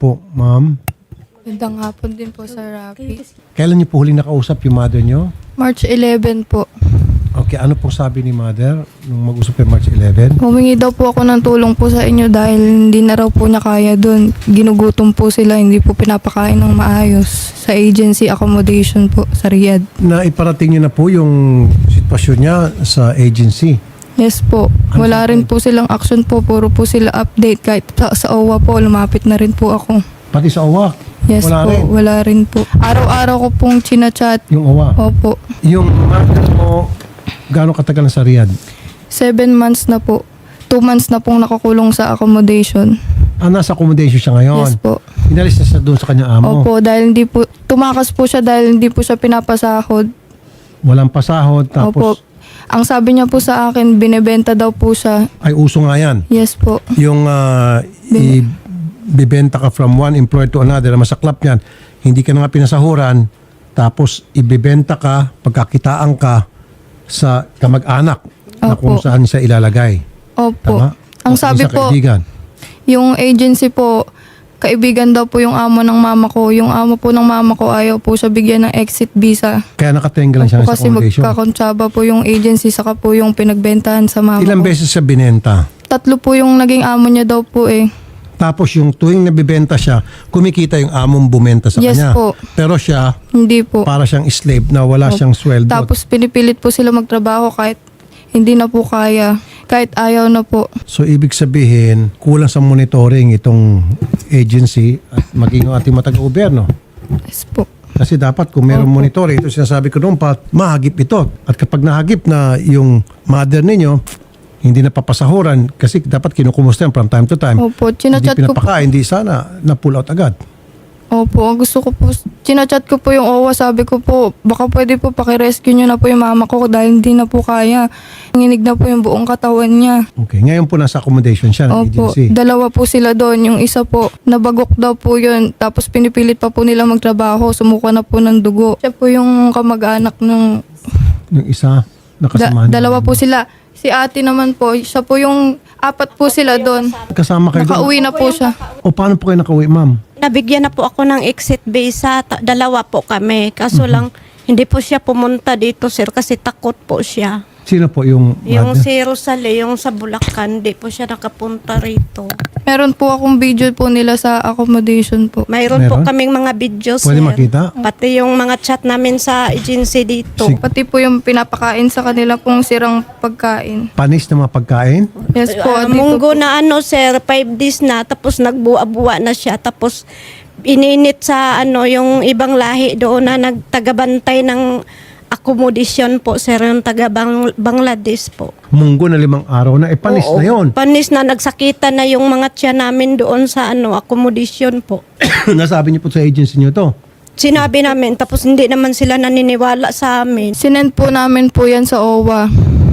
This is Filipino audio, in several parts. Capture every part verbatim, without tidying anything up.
po, ma'am. Magandang hapon din po sa Rafi. Kailan niyo po huling nakausap yung mother niyo? March eleven po. Okay, ano pong sabi ni mother nung mag-usap kayo March eleven? Humingi daw po ako ng tulong po sa inyo dahil hindi na raw po niya kaya doon. Ginugutom po sila, hindi po pinapakain ng maayos sa agency accommodation po sa Riyadh. Na iparating niyo na po yung sitwasyon niya sa agency. Yes po. Wala rin po silang action po. Puro po sila update. Kahit sa, sa O W A po, lumapit na rin po ako. Pati sa O W A? Yes Wala po, rin. wala rin po. Araw-araw ko pong chinachat. Yung O W A? Opo. Yung mother mo, gaano katagal na sa Riyadh? Seven months na po. Two months na pong nakakulong sa accommodation. Ah, nasa accommodation siya ngayon? Yes po. Inalis na siya doon sa kanyang amo? Opo, dahil hindi po, tumakas po siya dahil hindi po siya pinapasahod. Walang pasahod, Opo. tapos Ang sabi niya po sa akin, binebenta daw po siya. ay uso nga yan. Yes po. Yung ah, Bin- ibibenta ka from one employer to another, masaklap yan, hindi ka na nga pinasahuran, tapos ibibenta ka, pagkakitaan ka sa kamag-anak na Opo. kung saan siya ilalagay. Opo. Tama? Ang O, sabi sa po, kaibigan. yung agency po, kaibigan daw po yung amo ng mama ko. Yung amo po ng mama ko ayaw po siya bigyan ng exit visa. Kaya nakatenga lang siya Opo, sa kasi accommodation. magkakontsaba po yung agency saka po yung pinagbentahan sa mama Ilang ko. beses siya binenta? Tatlo po yung naging amo niya daw po eh. Tapos yung tuwing nabibenta siya, kumikita yung among bumenta sa Yes kanya. po. Pero siya, Hindi po. para siyang slave na wala Opo. siyang sweldo. Tapos pinipilit po sila magtrabaho kahit hindi na po kaya. Kahit ayaw na po. So ibig sabihin, kulang sa monitoring itong agency at maging ang ating mga taga-gobyerno. Yes po. Kasi dapat kung meron Opo. monitoring, ito sinasabi ko noon pa, mahagip ito. At kapag nahagip na yung mother ninyo, hindi na papasahuran kasi dapat kinukumusta yan from time to time. Opo, Hindi chinachat ko po. pinapakain, hindi sana na-pull out agad. Opo, ang gusto ko po, chinachat ko po yung O W A, sabi ko po, baka pwede po pakirescue nyo na po yung mama ko dahil hindi na po kaya. Nanginig na po yung buong katawan niya. Okay, ngayon po nasa accommodation siya ng Opo, agency. dalawa po sila doon. Yung isa po, nabagok daw po yun. Tapos pinipilit pa po nila magtrabaho. Sumuka na po ng dugo. Siya po yung kamag-anak ng... Yung isa, Da- nakasama niya. dalawa po sila. Si ate naman po, siya po yung... Apat po sila doon. Kasama kayo doon? Nakauwi na po siya. O paano po kayo nakauwi, ma'am? Nabigyan na po ako ng exit visa. Ta- Dalawa po kami. Kaso lang, hindi po siya pumunta dito, sir, kasi takot po siya. Sino po yung Yung mother? si Rosale, yung sa Bulacan, hindi po siya nakapunta rito. Meron po akong video po nila sa accommodation po. Mayroon po Meron? kaming mga videos, Pwede sir. makita? Pati yung mga chat namin sa agency dito. Sige. Pati po yung pinapakain sa kanila pong sirang pagkain. Panis na mga pagkain? Yes po, Ah, dito munggo po. na ano, sir, five days na, tapos nagbuwa-buwa na siya, tapos ininit sa ano yung ibang lahi doon na nagtagabantay ng accommodation po, sir, yung taga Bang- Bangladesh po. Munggo na limang araw na. Eh, panis Oo. na yon. Panis na, nagsakitan na yung mga tiyan namin doon sa ano accommodation po. Nasabi niyo po sa agency niyo to. Sinabi namin, tapos hindi naman sila naniniwala sa amin. Sinend po namin po yan sa O W A.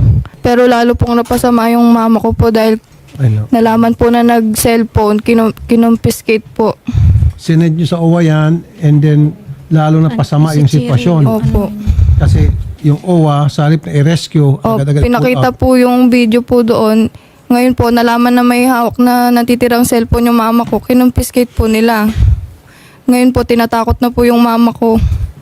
Pero lalo pong napasama yung mama ko po dahil I know. nalaman po na nag-cellphone, kinum- kinumpiskate po. Sinend niyo sa O W A yan and then lalo na pasama yung sitwasyon. Opo. Kasi yung O W A, sa halip na i-rescue, O, agad-agad pinakita pull out. po yung video po doon. Ngayon po, nalaman na may hawak na natitirang cellphone yung mama ko. Kinumpiskate po nila. Ngayon po, tinatakot na po yung mama ko.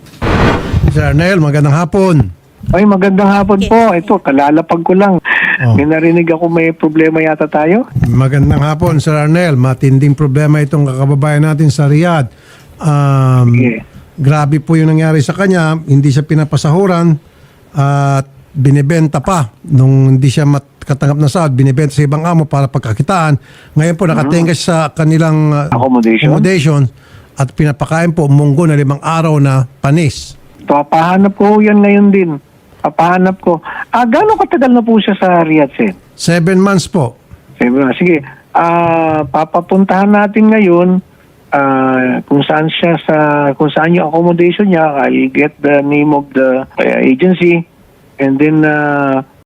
Sir Arnel, magandang hapon. Ay, magandang hapon po. Ito, kalalapag ko lang. Oh. May narinig ako may problema yata tayo. Magandang hapon, Sir Arnel. Matinding problema itong kakababayan natin sa Riyadh. Um, Sige. Grabe po yung nangyari sa kanya. Hindi siya pinapasahuran at binibenta pa. Nung hindi siya makatanggap na sahod, binibenta sa ibang amo para pagkakitaan. Ngayon po, nakatenga siya sa kanilang uh, Accommodation? accommodation at pinapakain po munggo na limang araw na panis. Papahanap ko yan ngayon din. Papahanap ko. Ah, gano'ng katagal na po siya sa Riyadh, Sen? Seven months po. Sige, sige. Ah, papapuntahan natin ngayon ah, kung saan siya sa kung saan yung accommodation niya. I'll get the name of the uh, agency and then uh,